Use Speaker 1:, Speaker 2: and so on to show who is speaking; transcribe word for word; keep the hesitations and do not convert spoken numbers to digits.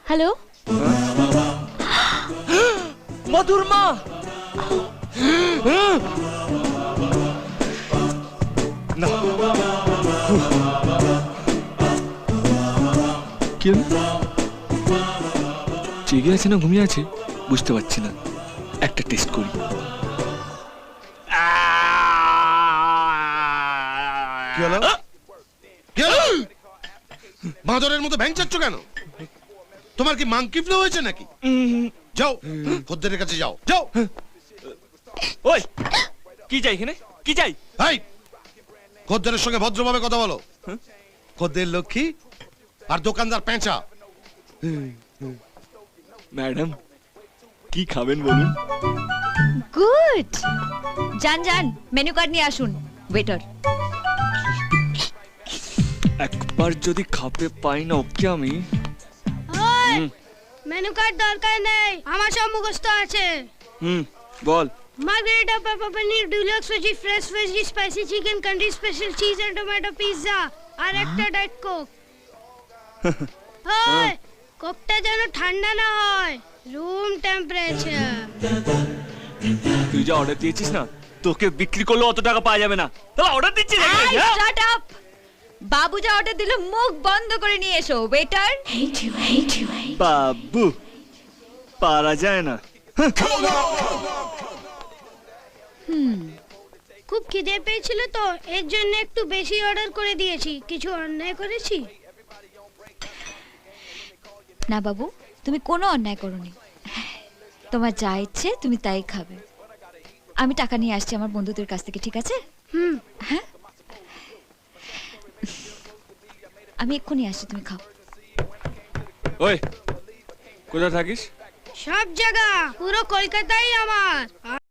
Speaker 1: Hello
Speaker 2: মধুর মা। না
Speaker 3: কেন জেগে আছে না ঘুমিয়ে আছে বুঝতে পারছি না, একটা টেস্ট করি।
Speaker 4: কি হলো? কি হলো? বাঁদরের মতো ভ্যাংচাচ্ছ কেন? তোমার কি মাংকি ফ্লু হয়েছে নাকি? যাও খদ্দেরের কাছে যাও যাও।
Speaker 2: ওই কি চাই এখানে, কি চাই?
Speaker 4: হাই, খদ্দেরের সঙ্গে ভদ্রভাবে কথা বলো। খদ্দের লক্ষ্মী আর দোকানদার পেঁচা।
Speaker 3: ম্যাডাম কি খাবেন বলুন?
Speaker 1: গুড, যান যান মেনু কার্ড নিয়ে আসুন ওয়েটার।
Speaker 3: একবার যদি খাপে পাই না ওকে আমি।
Speaker 5: মেনু কার্ড দরকার নেই, আমার সব মুখস্থ আছে।
Speaker 3: হুম বল।
Speaker 5: Margherita pepper paneer deluxe veggie fresh veggie spicy chicken country special cheese and tomato pizza আর একটা ডায়েট কোক। ওই কোকটা যেন ঠান্ডা না হয়, রুম টেম্পারেচার।
Speaker 2: তুই যা অর্ডার দিয়েছিস না, তোকে বিক্রি করলে অত টাকা পাওয়া যাবে না। তাহলে অর্ডার দিচ্ছি নাকি? হ্যাঁ?
Speaker 1: Shut up. বাবু যা অর্ডার দিল মুখ বন্ধ করে নিয়ে এসো ওয়েটার।
Speaker 2: বাবু পারা যায় না।
Speaker 5: খুব খিদে পেয়েছিল তো এর জন্য একটু বেশি অর্ডার করে দিয়েছি। কিছু অন্যায় করেছি?
Speaker 1: না বাবু, তুমি কোনো অন্যায় করোনি। তোমার যা ইচ্ছে তুমি তাই খাবে। আমি টাকা নিয়ে আসছি আমার বন্ধুদের কাছ থেকে, ঠিক আছে?
Speaker 5: হুম।
Speaker 1: হ্যাঁ, আমি এক্ষুনি আসছি, তুমি খাও।
Speaker 3: ওই কোথায় থাকিস?
Speaker 5: সব জায়গা, পুরো কলকাতাই আমার।